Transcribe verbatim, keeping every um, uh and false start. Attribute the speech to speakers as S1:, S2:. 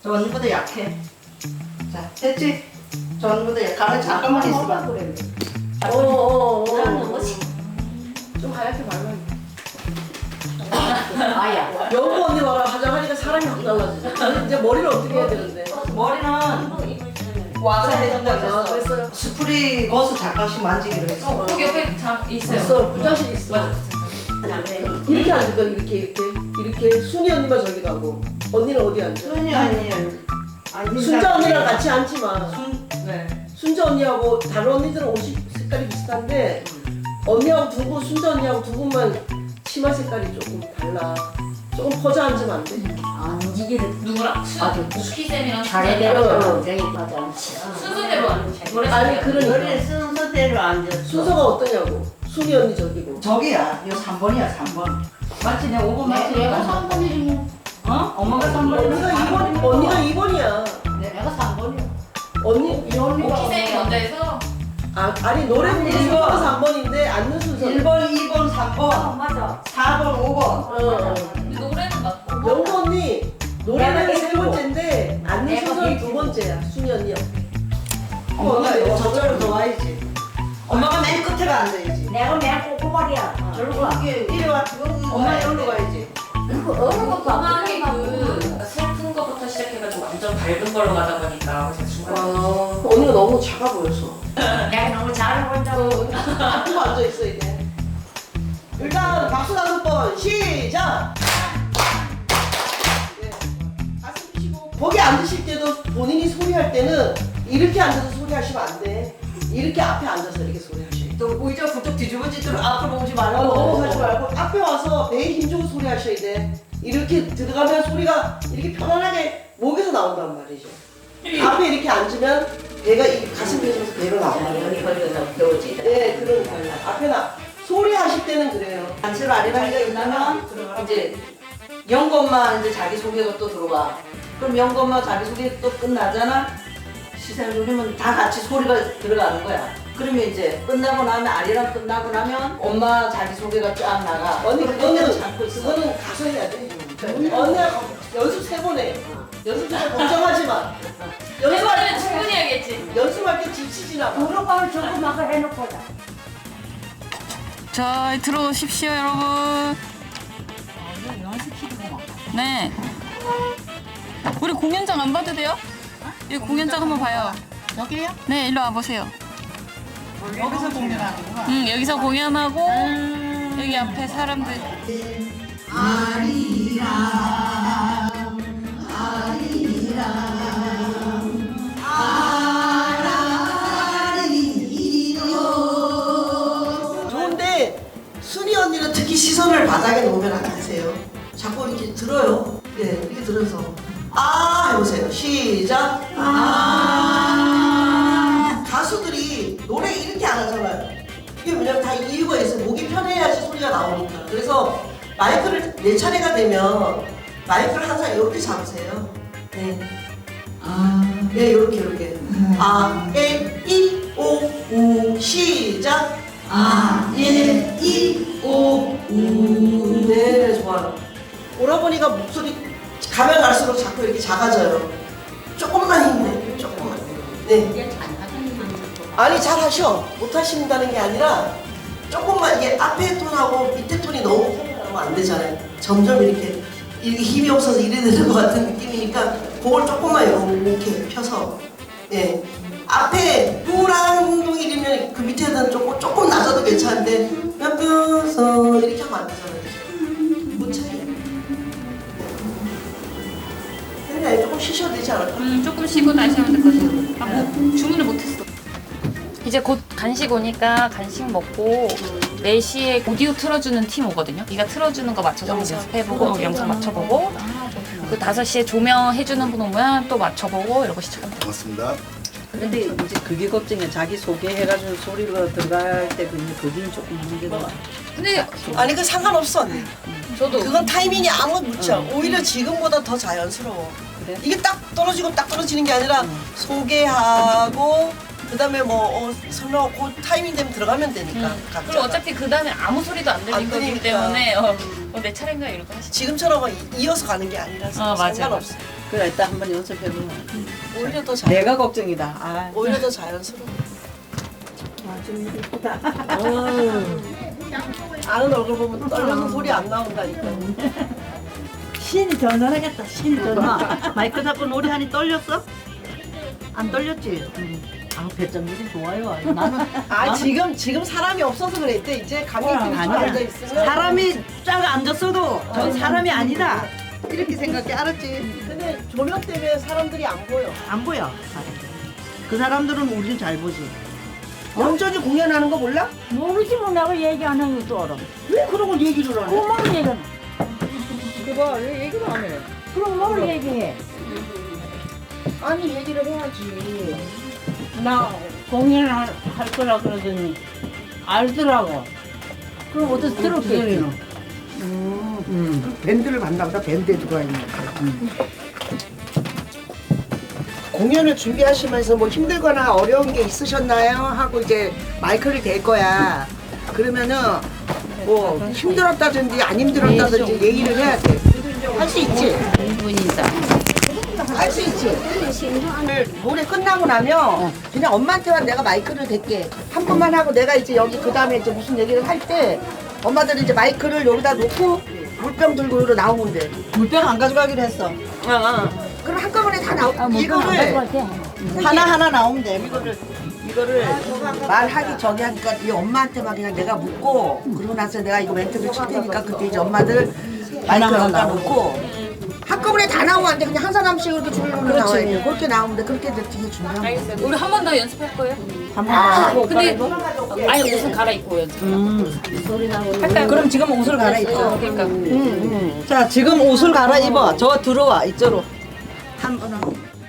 S1: 저 언니보다 약해. 자, 됐지? 저 언니보다 약해. 가만 잠깐만 있어봐.
S2: 그래.
S1: 오오오.
S2: 좀 하얗게 발라.
S3: 아야.
S2: 여보 언니 봐라 화장하니까 사람이 확 달라지죠. 이제 머리를 어떻게 해야 되는데?
S1: 머리는 와서 해준다고
S2: 아,
S1: 했어.
S2: 그랬어요?
S1: 스프리 거스 잠깐씩 만지기로 했어.
S3: 거기 옆에 장 있어요.
S2: 있어. 부자식 있어. 이렇게 앉을까 이렇게 이렇게 이렇게 순이 언니만 저기 가고 언니는 어디 앉아?
S1: 순이 언니. 아니,
S2: 순자 언니랑 같이 앉지 마.
S1: 순, 네.
S2: 순자 언니하고 다른 언니들은 옷이 색깔이 비슷한데 언니하고 두 분, 순자 언니하고 두 분만 치마 색깔이 조금 달라. 조금 퍼져 앉으면 안 돼?
S3: 안지기를 누구랑?
S4: 아주
S3: 수키쌤이랑
S4: 잘해대로
S2: 어.
S4: 굉장히 맞아 않지.
S3: 순서대로 노래
S2: 아니 그러니까
S1: 머리를 순서대로 앉았어.
S2: 순서가 어떠냐고. 순이 언니 저기고.
S1: 저기야. 이거 삼 번이야, 삼 번. 맞지? 내가 오 번 맞지?
S4: 내가 삼 번이지 뭐.
S1: 어? 엄마가 삼 번이야.
S2: 언니가 이 번, 언니가 이 번이야.
S4: 내가 삼 번이야.
S2: 언니
S4: 이 언니가
S3: 오키쌤이 먼저 해서
S2: 아 아니 노래 부르는
S1: 일 번.
S2: 순서가 삼 번인데 앉는 순서.
S1: 일 번, 이 번, 삼
S4: 어,
S1: 번,
S4: 맞아.
S1: 사 번, 오 번.
S2: 어, 어.
S3: 근데 노래는 맞고
S2: 영구 언니 노래는
S4: 내가
S2: 세
S4: 일곱.
S2: 번째인데 앉는
S4: 내가
S2: 순서는
S4: 일곱.
S2: 두 번째야. 순이 언니 옆에.
S1: 엄마가
S2: 언니
S1: 여- 저쪽으로 더 와야지. 엄마가 맨 끝에 앉아야지.
S4: 내가 맨 꼬꼬발이야. 저리로 와.
S1: 이게 이리 와. 엄마 여기로 가야지.
S4: 그 어느 것도 안
S3: 음악이
S4: 끝나고.
S3: 그 슬픈 거부터 시작해가지고 완전 밝은 걸로 가다 보니까 제가 중간에
S2: 어, 언니가 너무 작아 보였어.
S4: 내가 너무 잘해본다고.
S2: 앞으로 앉아 있어 이제. 일단 박수 다섯 번 시작. 네. 가슴 펴시고 거기 앉으실 때도 본인이 소리할 때는 이렇게 앉아서 소리하시면 안 돼. 이렇게 앞에 앉아서 이렇게 소리하셔야 돼.
S1: 또 의자 부쩍 뒤집어지도록 앞으로 오지
S2: 어,
S1: 말고.
S2: 넘어가지 말고 앞에 와서 배에 힘주고 소리하셔야 돼. 이렇게 들어가면 소리가 이렇게 편안하게 목에서 나온단 말이죠. 앞에 이렇게 앉으면 배가 이 가슴 펴면서 배로 나와요.
S4: 여기 걸려서 배우지.
S2: 네, 그러니까 앞에 나 소리 하실 때는 그래요.
S1: 단체로 아리바이가 있다면 이제 영검만 이제 자기 소개가 또 들어와. 그럼 영검만 자기 소개 또 끝나잖아. 시선 돌리면 다 같이 소리가 들어가는 거야. 그러면 이제 끝나고 나면 아리랑 끝나고 나면 엄마 자기 소개가 쫙 나가.
S2: 언니
S1: 그때는
S2: 그거는
S1: 참고 있어.
S2: 그거는 가서 해야 돼. 언니가 연습 세 번 해. 연습 세 번 걱정하지 마.
S3: 해버리면
S2: 연습할
S3: 충분히 하겠지.
S2: 연습할 때 지치지나 마.
S4: 무릎을 저거 막 해놓고 자.
S5: 자, 들어오십시오, 여러분. 네. 우리 공연장 안 봐도 돼요? 여기 공연장 한번 봐요.
S4: 여기요?
S5: 네, 일로 와보세요.
S1: 여기서 공연하는구나.
S5: 응, 여기서 공연하고, 여기 앞에 사람들.
S2: 좋은데 순이 언니는 특히 시선을 바닥에 놓으면 안 되세요. 자꾸 이렇게 들어요. 네, 이렇게 들어서 아 해보세요. 시작. 아 가수들이 노래 이렇게 안 하잖아요. 이게 왜냐면 다 이유가 있어요. 목이 편해야지 소리가 나오니까. 그래서 마이크를 내 차례가 되면 마이크를 항상 이렇게 잡으세요. 네. 아, 네, 이렇게 이렇게. 아, 에, 이, 오, 우, 시작. 아, 예, 이, 오, 우. 네, 좋아요. 오라버니가 목소리 가면 갈수록 자꾸 이렇게 작아져요. 조금만 힘내, 조금만. 네. 아니, 잘 하셔. 못 하신다는 게 아니라 조금만 이게 앞에 톤하고 밑에 톤이 너무 편하면 안 되잖아요. 점점 이렇게 이렇게 힘이 없어서 이래 되는 것 같은 느낌이니까 그걸 조금만 이렇게 펴서 예. 앞에 우랑동이면 그 밑에는 조금 조금 낮아도 괜찮은데 펴서 이렇게 하면 안 되잖아요. 못 차이. 근데 조금 쉬셔도 되지 않을까?
S5: 음, 조금 쉬고 다시 하면 될 것 같아요. 아, 뭐, 주문을 못했어. 이제 곧 간식 오니까 간식 먹고 네 시에 오디오 틀어주는 팀 오거든요. 네가 틀어주는 거 맞춰서 한번 연습해보고 영상 맞춰보고 그 다섯 시에 조명해주는 분 오면 또 맞춰보고 이러고 시작합니다.
S6: 고맙습니다.
S7: 근데 이제 그게 걱정이야. 자기 소개해가지고 소리가 들어갈 때 그게 거기는 조금 문제가.
S5: 근데
S2: 아니 그 상관없어 언니.
S5: 저도
S2: 그건 타이밍이 아무 묻혀. 오히려 지금보다 더 자연스러워.
S7: 그래?
S2: 이게 딱 떨어지고 딱 떨어지는 게 아니라 소개하고 그다음에 뭐 어, 설명하고 그 타이밍 되면 들어가면 되니까.
S5: 음.
S2: 각자가.
S5: 그리고 어차피 그 다음에 아무 소리도 안 들릴
S2: 안
S5: 거기
S2: 들리니까.
S5: 때문에 어, 어, 내 차례인가 이러고 하시죠.
S2: 지금처럼 이어서 가는 게 아니라서
S5: 어, 맞아요,
S2: 상관없어.
S7: 그래 일단 한번 연습해보면.
S2: 오히려 더 잘.
S7: 내가 걱정이다. 아.
S2: 오히려 더 자연스러워. 아는 얼굴 보면 떨려서 소리 안 나온다니까.
S6: 신이 전화하겠다. 신이 전화. 마이크 잡고 노래하니 떨렸어? 안 떨렸지? 아 배짱들이 좋아요. 나는
S2: 아 지금 지금 사람이 없어서 그래. 이때 이제 관객들이 좀 앉아 있으면
S6: 사람이 쫙 앉았어도 전 사람이 아니다. 이렇게 생각해 알았지?
S2: 근데 조명 때문에 사람들이 안 보여.
S6: 안 보여. 사람들. 그 사람들은 우리는 잘 보지. 영전이 공연하는 거 몰라?
S4: 모르지 뭐 내가 얘기 안 하는 것도 알아.
S6: 왜 그런 걸 얘기를 안 해?
S4: 그만 얘기는.
S6: 그봐 왜 얘기를 안 해?
S4: 그럼 뭘 얘기해?
S6: 아니 얘기를 해야지.
S4: 나 공연을 할, 할 거라 그러더니 알더라고. 그럼 어디서 들었겠지?
S6: 음, 밴드를 만나 보다 밴드에 들어가 있는 거.
S2: 공연을 준비하시면서 뭐 힘들거나 어려운 게 있으셨나요? 하고 이제 마이크를 댈 거야. 그러면은 뭐 힘들었다든지 안 힘들었다든지 얘기를 해야 돼. 할 수 있지? 할 수 있지? 노래 끝나고 나면 그냥 엄마한테만 내가 마이크를 댈게. 한 번만 하고 내가 이제 여기 그 다음에 이제 무슨 얘기를 할 때 엄마들은 이제 마이크를 여기다 놓고 물병 들고 여기로 나오면 돼.
S6: 물병 안 가져가기로 했어.
S2: 어, 어. 그럼 한꺼번에 다 나오.
S4: 아, 뭐
S2: 이거를
S6: 하나 하나 나오면 돼.
S2: 이거를 이거를 말하기 전에 하니까 이 엄마한테만 그냥 내가 묻고 그러고 나서 내가 이거 멘트를 칠 테니까 그때 이제 엄마들 마이크를 갖다 놓고 한꺼번에 다 나오면 안 돼. 그냥 한 사람씩 이렇게 줄로 나와야 그렇게 나오면 돼. 그렇게 이제 되게 중요한 거야.
S5: 알겠어요. 우리 한 번 더 연습할 거예요?
S2: 아,
S5: 근데 아니 옷은 갈아입고 연습. 할까요?
S6: 그럼 지금 옷을 갈아입어.
S5: 그러니까
S6: 자, 지금 옷을 갈아입어. 저 들어와 이쪽으로.
S2: 한 번은